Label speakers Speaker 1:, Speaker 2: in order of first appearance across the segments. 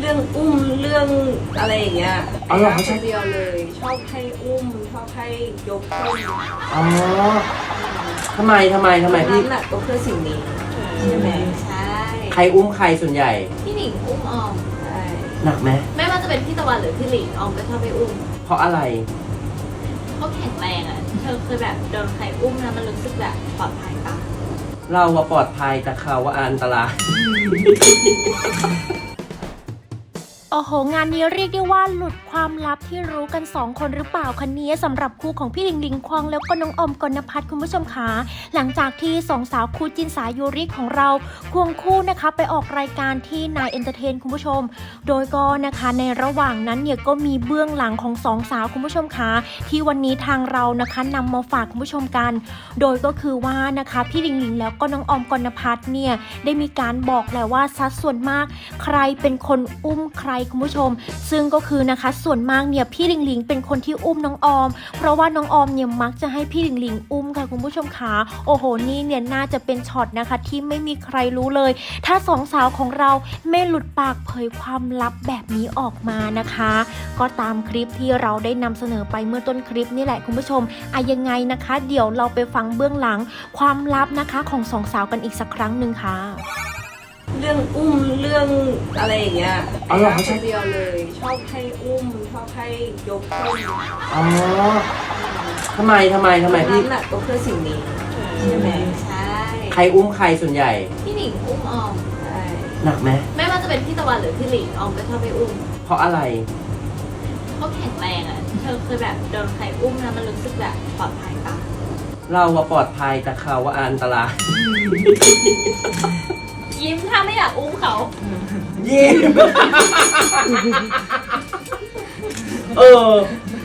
Speaker 1: เรื่องอุ้มเรื่องอะไรอย่างเงี้ย
Speaker 2: อ๋อเหรอเขาช
Speaker 1: ค
Speaker 2: อบ
Speaker 1: นเดียวเลยชอบให้อุ้มชอบให้ยกขึ้น
Speaker 2: อ๋อทำไมพี่
Speaker 1: น้ำหนักก็เพื่อสิ่งนี้ใช่ไหมใช่
Speaker 2: ใครอุ้มใครส่วนใหญ่
Speaker 3: พี่หนิงอุ้มออม
Speaker 1: ใช่
Speaker 2: หนักไหม
Speaker 3: ไม่ว่าจะเป็นพี่ตะวันหรือพี่หลิงออมก็ชอบไปอุ้ม
Speaker 2: เพราะอะไร
Speaker 3: เขาแข็งแรงอ่ะเธอเคยแบบโดนใครอุ้มแล้วมันรู้สึกแบบปลอดภัยปะ
Speaker 2: เราว่าปลอดภัยแต่เขาว่าอันตราย
Speaker 4: โอ้โหงานนี้เรียกได้ว่าหลุดความลับที่รู้กัน2คนหรือเปล่าคะนี้สำหรับคู่ของพี่หลิงหลิงควงแล้วก็น้องออมกนภัทรคุณผู้ชมคะหลังจากที่สองสาวคู่จินสายยูริของเราควงคู่นะคะไปออกรายการที่นายเอนเตอร์เทนคุณผู้ชมโดยก็นะคะในระหว่างนั้นเนี่ยก็มีเบื้องหลังของสองสาวคุณผู้ชมคะที่วันนี้ทางเรานะคะนำมาฝากคุณผู้ชมกันโดยก็คือว่านะคะพี่หลิงหลิงแล้วก็น้องออมกนภัทรเนี่ยได้มีการบอกแล้วว่าสัดส่วนมากใครเป็นคนอุ้มใครคุณผู้ชมซึ่งก็คือนะคะส่วนมากเนี่ยพี่หลิงหลิงเป็นคนที่อุ้มน้องออมเพราะว่าน้องออมเนี่ยมักจะให้พี่หลิงหลิงอุ้มค่ะคุณผู้ชมขาโอ้โหนี่เนี่ยน่าจะเป็นช็อตนะคะที่ไม่มีใครรู้เลยถ้าสองสาวของเราไม่หลุดปากเผยความลับแบบนี้ออกมานะคะก็ตามคลิปที่เราได้นำเสนอไปเมื่อต้นคลิปนี่แหละคุณผู้ชมยังไงนะคะเดี๋ยวเราไปฟังเบื้องหลังความลับนะคะของสองสาวกันอีกสักครั้งหนึ่งค่ะ
Speaker 1: เรื่องอุ้มเรื่องอะไรอย่างเงี้ย
Speaker 2: อ๋อเหรอเขาช
Speaker 1: ค
Speaker 2: อบ
Speaker 1: นเดียวเลยชอบให้อุ้มชอบให้ยกขึ้น
Speaker 2: อ๋อทำไมพี่
Speaker 1: น้ำหนักก็เพื่อสิ่งนี้ใช่ไหมใช่
Speaker 2: ใครอุ้มใครส่วนใหญ่
Speaker 3: พี่หนิงอุ้มออม
Speaker 1: ใช่
Speaker 2: หนักไหม
Speaker 3: ไม่ว่าจะเป็นพี่ตะวันหรือพี่หลิงออมก็ชอบไปอุ้ม
Speaker 2: เพราะอะไร
Speaker 3: เขาแข็งแรงอ่ะเธอเคยแบบโดนใครอุ้มแล้วมันรู้สึกแบบปลอดภัยปะ
Speaker 2: เราว่าปลอดภัยแต่เขาว่าอันตราย
Speaker 3: ยิ้มถ้าไม่อยากอุ้มเขา
Speaker 2: ยิ้ม เออ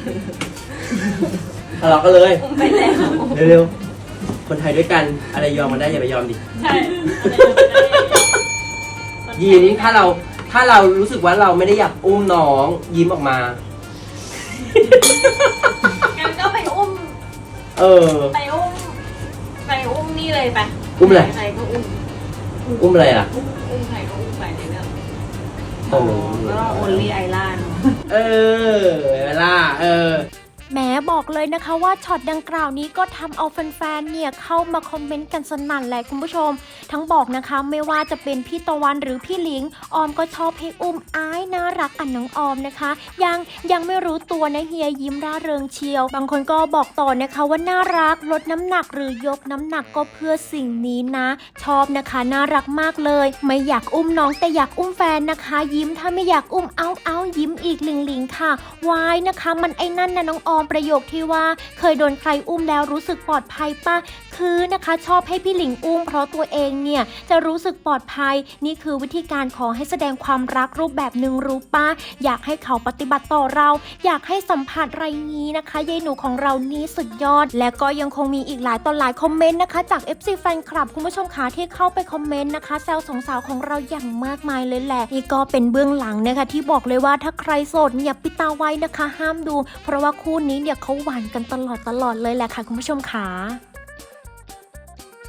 Speaker 2: ทะเลาะกันเลย
Speaker 1: อุ้มไปแล้ว
Speaker 2: เร็วๆ คนไทยด้วยกันอะไรยอมกันได้อย่าไปยอมดิ
Speaker 3: ใช่
Speaker 2: ยิ้มถ้าเรารู้สึกว่าเราไม่ได้อยากอุ้มน้องยิ้มออกมา
Speaker 3: งั้นก็ไปอุ้ม
Speaker 2: เออ
Speaker 3: ไปอุ้มนี่เลยไป
Speaker 2: อุ้มอะไร
Speaker 3: ใครก็อุ้ม
Speaker 2: อุ้มอะไรอ่ะ
Speaker 3: อุ้มใครก็อุ้มไปในเรื่อง
Speaker 2: โอ้
Speaker 1: ก็โอลี่ไอล่า
Speaker 2: เออเวลา
Speaker 4: แหมบอกเลยนะคะว่าช็อตดังกล่าวนี้ก็ทำเอาแฟนๆเนี่ยเข้ามาคอมเมนต์กันสนั่นแหละคุณผู้ชมทั้งบอกนะคะไม่ว่าจะเป็นพี่ตะวันหรือพี่หลิงออมก็ชอบให้อุ้มอ้ายน่ารักอันน้องออมนะคะยังไม่รู้ตัวนะเฮียยิ้มร่าเริงเชียวบางคนก็บอกต่อนะคะว่าน่ารักลดน้ำหนักหรือยกน้ำหนักก็เพื่อสิ่งนี้นะชอบนะคะน่ารักมากเลยไม่อยากอุ้มน้องแต่อยากอุ้มแฟนนะคะยิ้มถ้าไม่อยากอุ้มเอายิ้มอีกหลิงค่ะวายนะคะมันไอ้นั่นนะน้องออมประโยคที่ว่าเคยโดนใครอุ้มแล้วรู้สึกปลอดภัยป่ะคือนะคะชอบให้พี่หลิงอุ้มเพราะตัวเองเนี่ยจะรู้สึกปลอดภัยนี่คือวิธีการขอให้แสดงความรักรูปแบบหนึ่งรู้ป่ะอยากให้เขาปฏิบัติต่อเราอยากให้สัมผัสไรนี้นะคะยายหนูของเรานี่สุดยอดและก็ยังคงมีอีกหลายต่อหลายคอมเมนต์นะคะจาก FC แฟนคลับคุณผู้ชมขาที่เข้าไปคอมเมนต์นะคะแซวสองสาวของเราอย่างมากมายเลยแหละนี่ก็เป็นเบื้องหลังนะคะที่บอกเลยว่าถ้าใครโสดเนี่ยปิดตาไว้นะคะห้ามดูเพราะว่าคู่นี้เนี่ยเขาหวานกันตลอดเลยแหละค่ะคุณผู้ชมขา